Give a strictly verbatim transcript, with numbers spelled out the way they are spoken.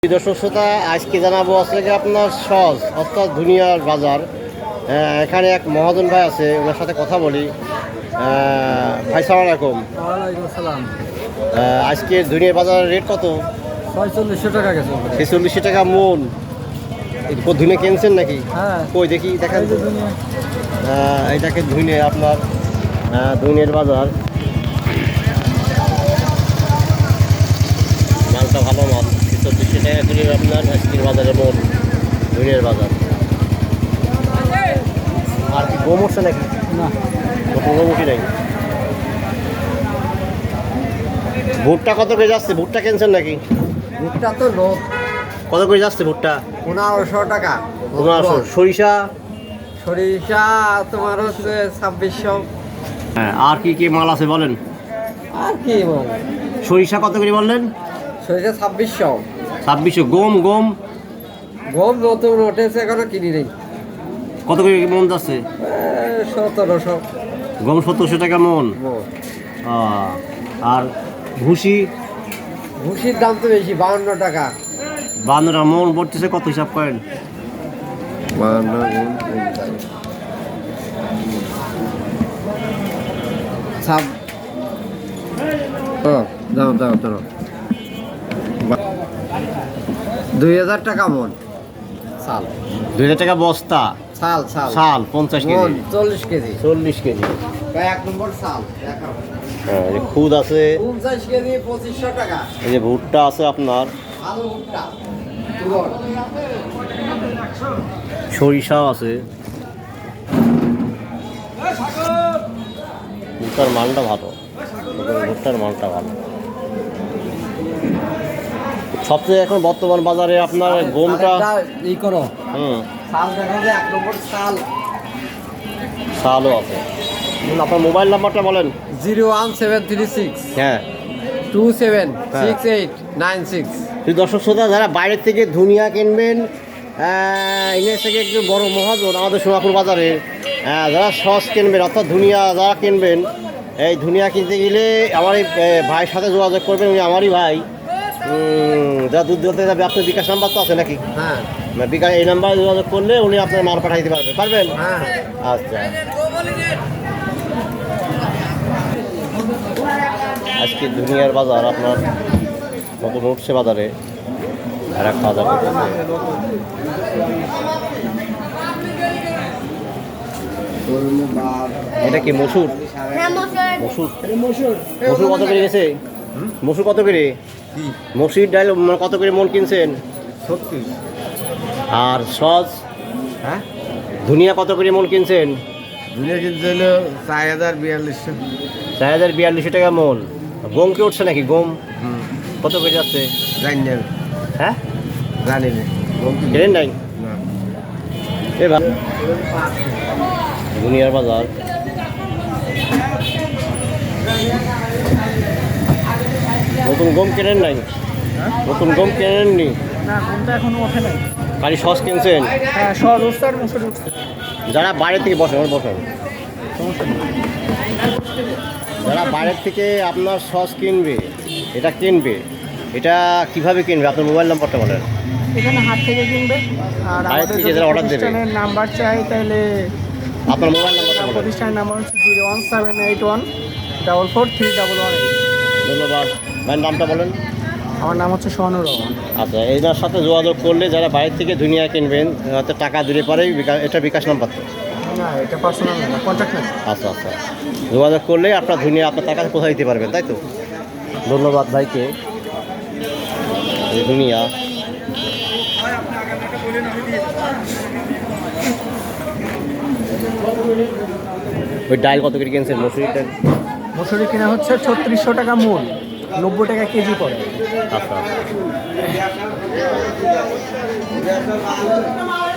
দর্শক শ্রোতা, আজকে জানাবো আসলে আপনার সহজ অর্থাৎ দুনিয়ার বাজার। এখানে এক মহাজন ভাই আছে, ওনার সাথে কথা বলি। ভাই সালাম আলাইকুম। ওয়ালাইকুম আসসালাম। আজকে দুনিয়ার বাজারের রেট কত? ছয়চল্লিশশো টাকা গেছে। ছেচল্লিশশো টাকা মন। ধুনে কিনছেন নাকি? হ্যাঁ। কই দেখি দেখেন তো। এইটাকে ধুনে আপনার দুনিয়ার বাজার, মালটা ভালো মাল। ছেচল্লিশশো টাকা করে আপনার আজকের বাজারে মন দুনিয়ার বাজার। আর কি গম উঠছে নাকি? না, নতুন গম উঠি নাই। ভুট্টা কত করে যাচ্ছে? ভুট্টা কিনছেন নাকি? ভুট্টা তো লোক কত করে যাচ্ছে ভুট্টা? পনেরোশো টাকা। পনেরোশো। সরিষা? সরিষা তোমার হচ্ছে ছাব্বিশশো। হ্যাঁ, আর কি কি মাল আছে বলেন? আর কি বল, সরিষা কত করে বললেন? সরিষা ছাব্বিশশো। ছাব্বিশশো। গম গম গম নতুন উঠেছে, এখনো কিনি নেই। কত করে মন যাচ্ছে? সতেরোশো। গম সত্তরশো টাকা মন। আহ, আর ভুসি? ভুসির দাম তো বেশি, বাউন্ন টাকা। বান্ন টাকা মন পড়তেছে। কত হিসাব করেন? বাউন্ন ছাব ও দাও দাও দাও দুই হাজার টাকা মন চাল। দুই হাজার টাকা বস্তা চাল চাল চাল পঞ্চাশ মন কেজি। চল্লিশ কেজি। চল্লিশ কেজি। এক নম্বর চাল দেখাও। হ্যাঁ, এই যে খুদ আছে, পঞ্চাশ কেজি পঁচিশশো টাকা। এই যে ভুট্টা আছে আপনার, আলু ভুট্টা সরিষাও আছে। ভুট্টার মালটা ভালো, ভুট্টার মালটা ভালো। সবচেয়ে এখন বর্তমান বাজারে আপনার গমটা ই করো। হুম চাল দেখা যায় এক নম্বর চাল। চালও আছে। আপনার মোবাইল নাম্বারটা বলেন। Zero one seven three six হ্যাঁ, two seven six eight nine six. তুই দর্শক শ্রোতা, যারা বাইরের থেকে ধুনিয়া কিনবেন, ইংরেজ থেকে একটু বড় মহাজন আমাদের সোনাপুর বাজারে, আহ, যারা সস কিনবেন অর্থাৎ ধুনিয়া যারা কিনবেন, এই ধুনিয়া কিনতে গেলে আমার এই ভাইয়ের সাথে যোগাযোগ করবেন। উনি আমারই ভাই। যারা দুধ দিতে যাবে, আপনার বিকাশ নাম্বার তো আছে নাকি? হ্যাঁ বিকাশ এই নাম্বারে যোগাযোগ করলে উনি আপনার মাল পাঠাইতে পারবেন পারবেন হ্যাঁ। আচ্ছা। আজকে দুনিয়ার বাজার আপনার নতুন উঠছে বাজারে, এরা খাওয়া দাওয়া করতেছে। এটা কি মসুর? মসুর মসুর কত করে গেছে? মসুর কত করে? মসুর ডাল কত করে মন কিনছেন? সত্যি। আর সস হ্যাঁ, ধুনিয়া কত করে মন কিনছেন? দুনিয়া কিনতে হলো চার হাজার বিয়াল্লিশশো। চার হাজার বিয়াল্লিশশো টাকা মন। গম কি উঠছে নাকি? গম কত করে যাচ্ছে? জানি না, হ্যাঁ, জানি না। কেনেন নাই? এবার দুনিয়ার বাজার। নতুন গম কেনেন নাই? নতুন গম কেনেননি? না, কোনটা এখনো ওঠে নাই। খালি সস কিনছেন? হ্যাঁ, সহজ উঠছে আর মুসুর উঠছে। যারা বাইরে থেকে বসেন বসেন যারা বাইরের থেকে আপনার সস কিনবে, এটা কিনবে, এটা কিভাবে কিনবে? আপনার মোবাইল নাম্বারটা বলেন। এখানে হাট থেকে কিনবে, আর বাইরে আমাদের থেকে যদি যারা order দেবে। প্রতিষ্ঠানের নাম্বার চাই তাহলে আপনার মোবাইল নাম্বারটা বলেন। প্রতিষ্ঠানের নাম্বার হচ্ছে zero one seven eight one double four three double one eight. ধন্যবাদ। ভাইয়ের নামটা বলেন। আমার নাম হচ্ছে সোহানুর রহমান। আচ্ছা, এটার সাথে যোগাযোগ করলে যারা বাইরে থেকে দুনিয়া কিনবেন, হয়তো টাকা দিলে পরেই এটা বিকাশ নাম্বার তো? না, এটা পার্সোনাল না, কন্ট্যাক্ট না। আচ্ছা আচ্ছা, যোগাযোগ করলে আপনার দুনিয়া আপনার টাকা কোথায় দিতে পারবেন, তাই তো? ধন্যবাদ ভাইকে। এই দুনিয়া ওই ডাল কত করে কিনছেন? মসুরি ডাল মসুরি কিনা হচ্ছে ছত্রিশশো টাকা মূল, নব্বই টাকা কেজি পড়ে। আচ্ছা আচ্ছা।